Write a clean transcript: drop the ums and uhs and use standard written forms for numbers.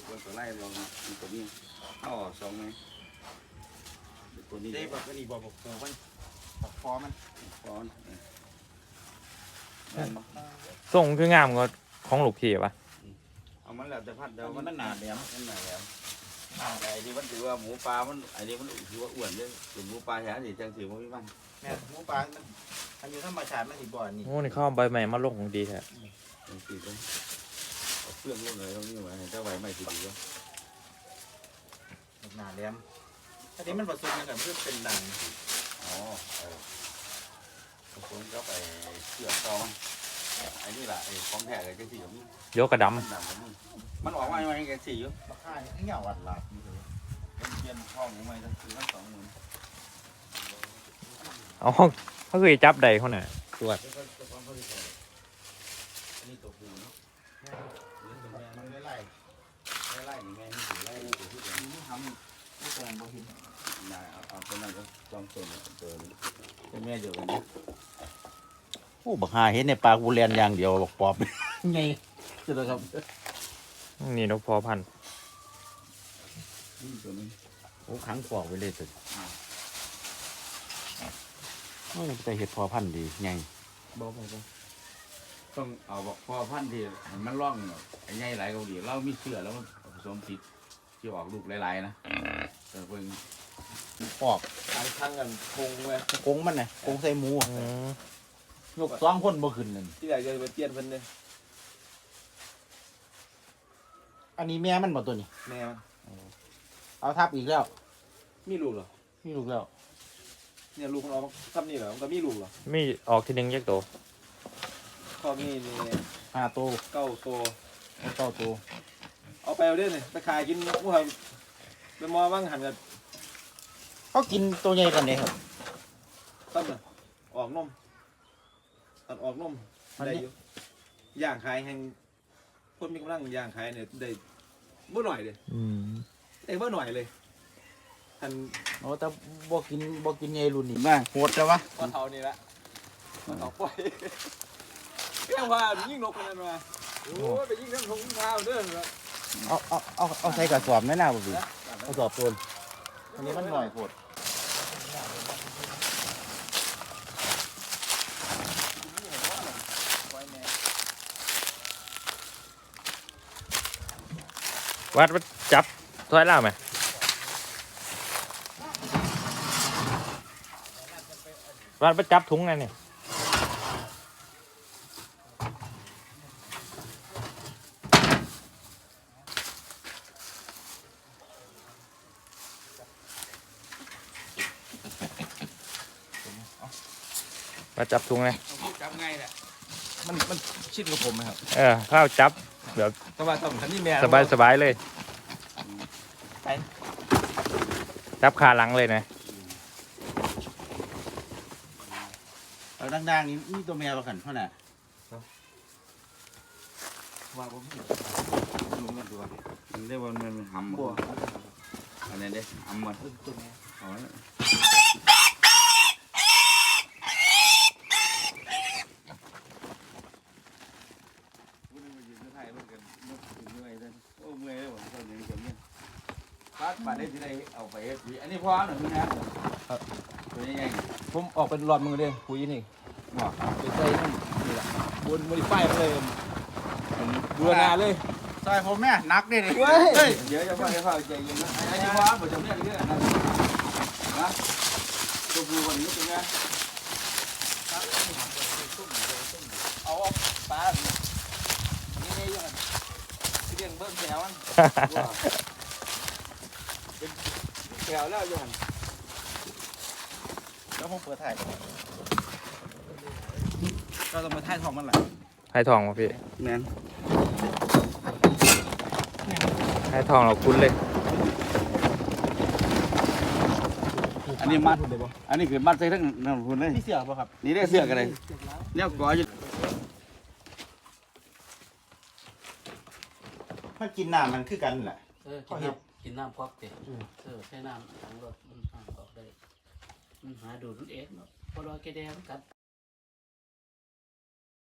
ตัวไล่ลองตัวนี้เอาสองไหมตัวนี้ได้แบบนี้บอกปูมันบอกฟอมันฟ้อนส่งคืองามกว่าของลูกพี่ปะเอามันแล้วแต่พัดเดียวมันหนาแหลมมันหนาแหลมไอ้ที่มันถือว่าหมูปลามันไอ้นี่มันถือว่าอ้วนเลยส่วนหมูปลาแท้สิจังถือว่าไม่มันแม่หมูปลามันอันอยู่ธรรมชาติมันสิบ่อนี่โอ้นี่เข้าใบใหม่มาลงของดีแท้จังถือต้องเอาเครื่องลงเลยตรงนี้ไว้เจ้าไว้ไม่ถือว่าหนาแหลมอันนี้มันผสมกันเพื่อเป็นดังอ๋อผสมกับไอ้เชือกตอนไอ้นี่แหละไอ้ของแท้เลยจังถือว่ามีโยกกระดมันออกมาอย่างไรกันสี่อยู่ราคาเนี่ยเงี้ยวัดหลับอยู่เลยเป็นเทียนช่องของมันก็คือทั้งสองหมื่นำเอาเขาเคยจับใดเขาน่ะตรวจนี่ตัวผู้เนาะมันไม่ไล่ไล่นี่แม่นี่ถือไล่นี่ถือที่เดียวนี่ทำนี่แปลงบ่หินนายเอาตัวนั้นก็จอมส่วนตัวนี้เป็นแม่เดียวกันนะโอ้บักหาเห็นในปลากูเรียนอย่างเดียวบอกปอบไงจะเลยครับนี่นกพอพันธุ์นี่ตัวนี้โอ้ขังปอกไว้เลยสุดโอ้ยแต่เห็ดพอพันธุ์ดีไงบอกต้องเอาบอกพอพันธุ์ที่มันร่องไอ้ใหญ่หลายเกาหลีเรามีเสื้อแล้วมันผสมติดที่ออกลูกหลายๆนะแต่เพิ่งปอกทางกันคงไว้กงมันน่ะกงใส่หมูอืมยก2คนบ่ขึ้นนั่นที่ไหนจะไปเตี้ยนเพิ่นเลยอันนี้แม่มันบ่ตัวนี้แม่มันเอาทับอีกแล้วมีลูกเหรอมีลูกแล้วเนี่ยลูกมันออกทำนี่เหรอมันก็มีลูกเหรอมีออกทีหนึงยักโตข้อมีนี่ 5ตัวเก้าตัว 9ตัวเอาไปเอาเด้อนี่ไปขายกินหมูหันไปมอบ้างหันกับเขากินตัวใหญ่กันเด้ครับต้นน่ะออกนมตัดออกนมได้อยู่ย่างขายแห่งคนมีกำลังย่างขายเนี่ยได้บ่หน่อยเลยอืมได้บ่หน่อยเลยทันโอ้แต่บ่กินใหญ่รุ่นนี้มาโหดจังวะว่าเท่านี้ละว่าเท่าปล่อยเรื่องว่ายิ่งนกมันนั่นมาโอ้ยไปยิ่งทั้งทงทั้งเท้าเด้อนะเอาใส่กระสอบแม่น่าบ่พี่กระสอบตัวอันนี้มันหน่อยโหดวัดจับถอยล่าไหมวัดไปจับถุงไงเนี่ยมาจับถุงไงจับไงแหละมันชิดกับผมไหมครับข้าวจับแบบแต่ว่าต้องทันนี่แม่สบายเลย จับขาหลังเลยนะเอาดังๆนี่มีตัวแมวประกันเท่าน่ะว่าผมลุงกันตัวมันได้ว่ามันหำบัวอะไรเด้หำมันตัวแมวเอาไว้โอ้เมื่อยเลยผมตอนนี้ผมเนี่ยพาดมาได้ที่ไหนเอาไปอันนี้พ่อหนึ่งนะตัวนี้ไงผมออกเป็นรอบมึงเลยคุยนี่บอกไปใส่นั่นนี่แหละบนโมดิฟายมาเลยดูนาเลยซอยผมแม่นักเด้นี่เฮ้ยเดี๋ยวจะพ่อจะพ่อใจเย็นนะไอ้ที่พ่อผมจำเนี่ยเรื่องนั้นนะตัวผู้คนนี้เป็นไงเอาปลานี่นี่ยังที่เรียงเบิ้งแถวมันแถวแล้วยังแล้วผมเปิดถ่ายเราต้องมาท่ายทองมันแหละให้ทองมาพี่แม่นให้ทองเราคุ้นเลยอันนี้มัดอันนี้คือมัดใส่ทั้งนั่นคุณเลยพี่เสือป่ะครับนี่ได้เสื้อกันเลยเนี่ยก่ออยู่มันกินน้ำมันคือกันแหละกินน้ำพอกเตะใช้น้ำถังรถมันห่างออกได้มันหาดูดมันเองเนาะพอรอแกแดงกัด